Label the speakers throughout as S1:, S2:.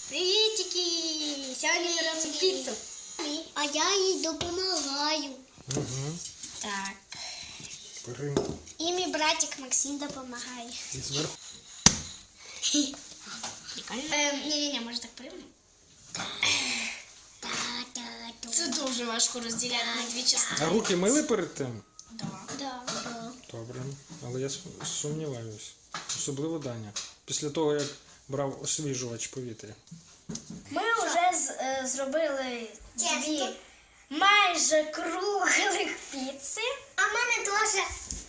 S1: Привітики! Сьогодні ми робимо піцу.
S2: А я їй допомагаю.
S3: Угу.
S1: Так.
S3: Бери.
S1: І мій братик Максим допомагає.
S3: І зверху.
S1: Прикольно. Ні, може так приймемо? Це дуже важко розділяти на дві частини.
S3: А руки мили перед тим?
S1: Да.
S3: Добре. Але я сумніваюсь. Особливо Даня. Після того, як брав освіжувач повітря.
S1: Ми вже зробили дві майже круглих піци.
S2: А в мене теж.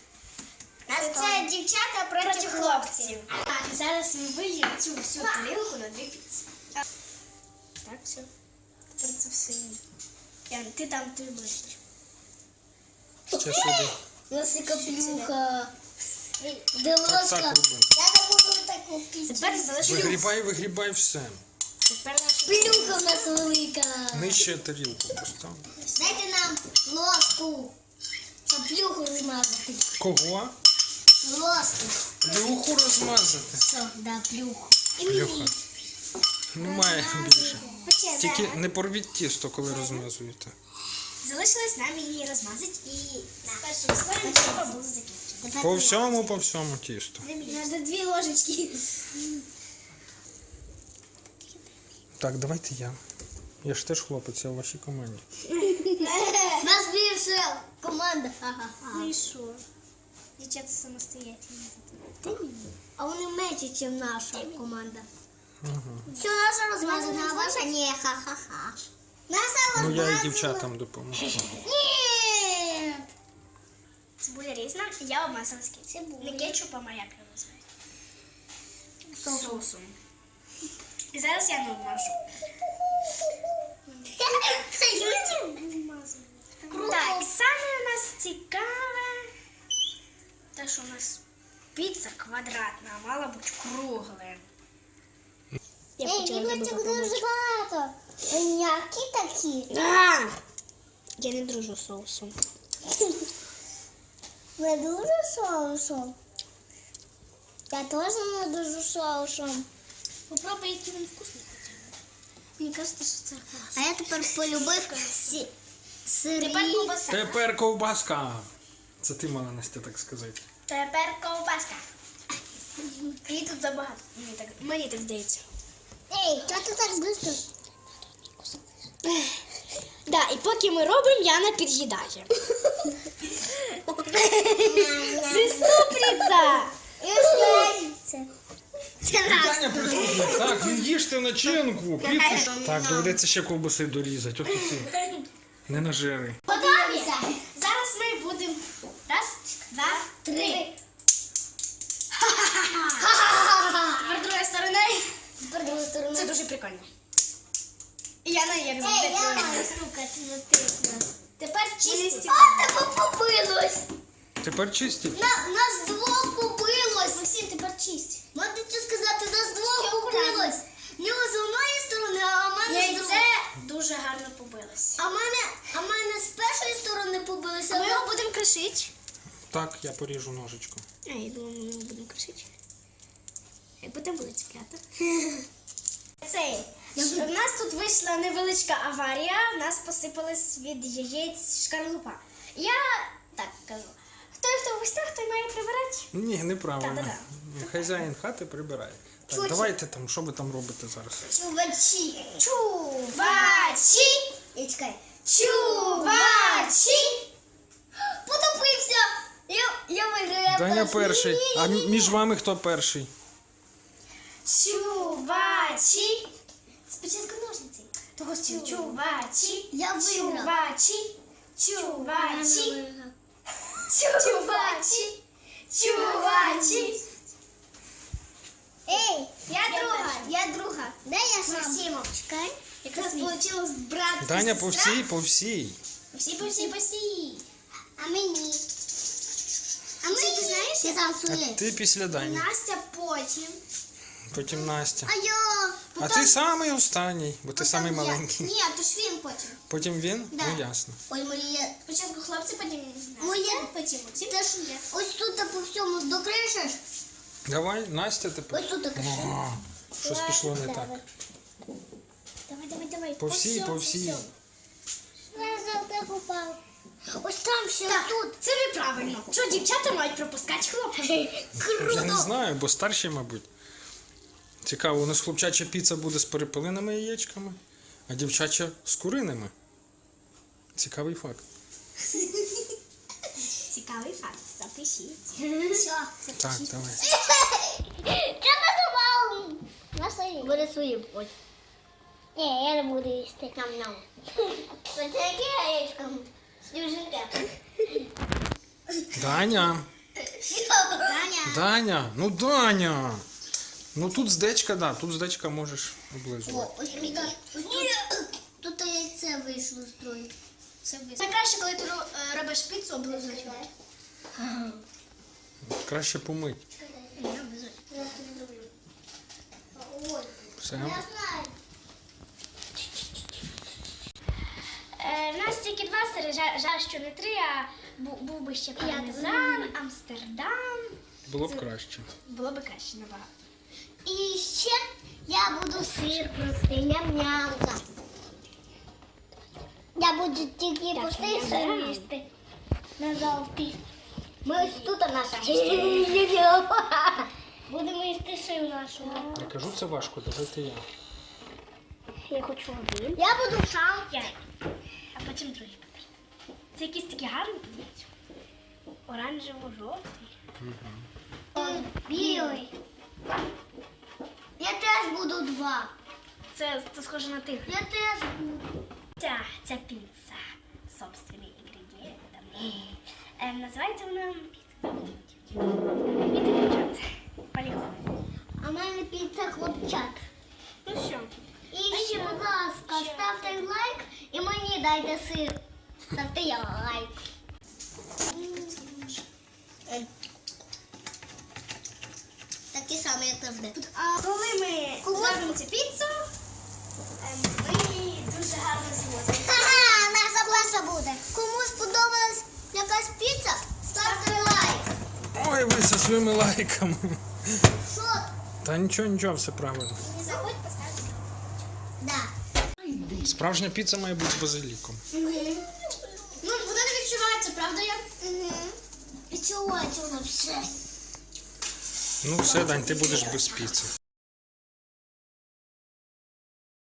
S1: Це дівчата проти хлопців. Так, зараз ми вильємо цю всю тарілку на дві піци. Так, все. Тепер це все. Ян, ти там ти ближче.
S3: Ще сюди.
S2: Лосика плюха. Де
S3: Так,
S2: ложка?
S3: так роби.
S2: Я не буду таку пісню.
S1: Тепер залишилось.
S3: Вигрібай все.
S1: Тепер наша
S2: Плюха в нас велика.
S3: Нижче тарілку постав.
S2: Дайте нам ложку, щоб плюху розмазати.
S3: Кого?
S2: Ложку.
S3: Плюху розмазати.
S2: Що? Да, плюху.
S3: Плюха. Немає більше. Тільки не порвіть тісто, коли розмазуєте.
S1: Залишилось нам її розмазати і з першим слоєм треба було закінчити.
S3: По всьому тісту.
S1: Треба 2 ложечки.
S3: Так, давайте я. Я ж теж хлопець, я в вашій команді.
S2: У нас більше команда. Ха-ха-ха.
S1: Ну і що? Дівчата самостоятельні.
S2: А вони менші, ніж наша команда.
S3: Ага.
S2: Все, наша розмазана, а ваша ні, ха-ха-ха. Наша
S3: Ну я і
S2: розмазана.
S3: дівчатам допоможу.
S2: Ні.
S1: Цибуля різна, я обмазала з кетчупом. Не кетчупом, а як його називають? Соусом. І зараз я не обмажу. Так, саме у нас цікаве, те, що у нас піца квадратна, а мала бути кругла.
S2: Іглочок дуже багато. М'які такі.
S1: Я не дружу з соусом.
S2: Не дуже соусом. Я теж не дуже соусом.
S1: Попробуй, який він вкусний хоча б. Мені кажеться, що це класно.
S2: А я тепер полюбив сирі.
S1: Тепер ковбаса.
S3: Тепер ковбаска. Це ти мала, Настя, так сказати.
S1: Тепер ковбаска. Її тут забагато. Мені так здається.
S2: Ей, чого ти так швидко?
S1: Да, і поки ми робимо, Яна під'їдає. Преступниця!
S3: Таня присутня. Так, не їжте начинку. Піцу. Так, доведеться ще ковбаси дорізати. Ось ці. Не нажери.
S2: Подивися.
S1: Зараз ми будемо. Раз, два, три. Тепер другою стороною.
S2: Тепер другу сторону.
S1: Це дуже прикольно. І Яна як
S2: Ей,
S1: завжди.
S2: я маю стукати на тисну.
S1: Тепер чисті.
S2: А, тебе побилось.
S3: Тепер чисті.
S2: Нас двох побилось.
S1: Максим, тепер чисть.
S2: Можна що сказати, нас двох побилось. В нього з одної сторони, а в мене з
S1: Яйце
S2: другої.
S1: дуже гарно побилось.
S2: А в мене з першої сторони побилося.
S1: Ми його будемо кришити.
S3: Так, я поріжу ножичком.
S1: А, я думала, ми його будемо кришити. Як потім буде цепляти. У нас тут вийшла невеличка аварія, в нас посипалась від яєць шкарлупа. Я так кажу. Хто в гостях, той має прибирати.
S3: Ні, неправильно.
S1: Та-та-та.
S3: Хазяїн хати прибирає. Так,
S2: Чуть.
S3: давайте там, що ви там робите зараз?
S2: Чувачі.
S1: Чувачі!
S2: І чекай.
S1: Чувачі!
S2: Потопився. Я виграю.
S3: Даня перший. А між вами хто перший?
S1: Чувачі! Спочатку ножниці. Того чувачі!
S2: Я виграв.
S1: Чувачі! Чувачі! Чувачі! Чувачі!
S2: Ей,
S1: Я друга.
S2: де я сам?
S1: Максимов.
S2: Чекай.
S1: Якраз вийшло брат.
S3: Даня по всій.
S1: Всі.
S2: А мені? А мені?
S1: Ти знаєш?
S2: Я сам
S3: А
S2: своє.
S3: ти після Дані.
S1: Настя потім.
S3: Потім Настя.
S2: А я.
S3: А ти самий останній, бо ти самий маленький.
S1: Ні, то ж він потім.
S3: Потім він?
S2: Да.
S3: Ну ясно.
S2: Ой, Марія.
S1: Спочатку хлопці, потім
S2: Моє.
S1: потім Максим.
S2: Ти ж ось тут по всьому докришиш.
S3: Давай, Настя тепер.
S2: Ось тут докришиш.
S3: О, щось пішло не так.
S1: давай.
S3: По всій, по всій.
S2: Я завжди попав. Ось там ще
S1: Так,
S2: тут.
S1: це неправильно. Що дівчата мають пропускати хлопців?
S3: Я не знаю, бо старші, мабуть. Цікаво, у нас хлопчача піца буде з перепелиними яєчками, а дівчача з куриними. Цікавий факт.
S1: Цікавий факт. Запишіть.
S2: Що?
S3: Так, давай.
S2: Я надумав. На свої. Буде свої. Ні, я не буду їсти. Нам. Це яке яєчко? Сніжинка.
S3: Даня!
S2: Даня.
S3: Даня! Ну Даня! Ну тут здечка, да, тут здечка можеш облизувати.
S2: Ось тут яйце вийшло з строю.
S1: Найкраще, коли ти робиш піцу, облизувати.
S3: Краще помить. Все.
S2: Я знаю.
S1: В нас тільки 2 сири, жаль, що не 3, а був би ще пармезан, Амстердам.
S3: Було б краще.
S1: Було б краще набагато.
S2: І ще я буду сир простий, ням-ням. Я буду тільки простий сир їсти. На жовтий. Ми ось тут наша. Будемо їсти сир нашого.
S3: Я кажу, це важко, давайте я.
S1: Я хочу один.
S2: Я буду сам.
S1: А потім другий. Це якісь такі гарні подивіться. Оранжево-жовтий.
S2: Білий. Я теж буду 2.
S1: Це схоже на тих.
S2: Я теж буду.
S1: Ця піца з собственними інгредієнтами. Називається вона піца дівчат. Поїхали.
S2: А в мене піца хлопчак.
S1: Ну що?
S2: І ще, будь ласка, ставте лайк і мені дайте сир. Ставте лайк. Такі самі, як завжди.
S1: А коли ми зробимо цю піцу, ми її дуже гарно зможемо.
S2: Ха-ха, наша класа буде. Кому сподобалась якась піца, ставте лайк.
S3: Ой, ви зі своїми лайками.
S2: Що?
S3: Та нічого, все правильно.
S1: Не забудь поставити.
S2: Да.
S3: Справжня піца має бути з базиліком.
S1: Ну, вона не відчувається, правда?
S2: Відчувається воно все.
S3: Ну все, Дань, ти будеш без піци.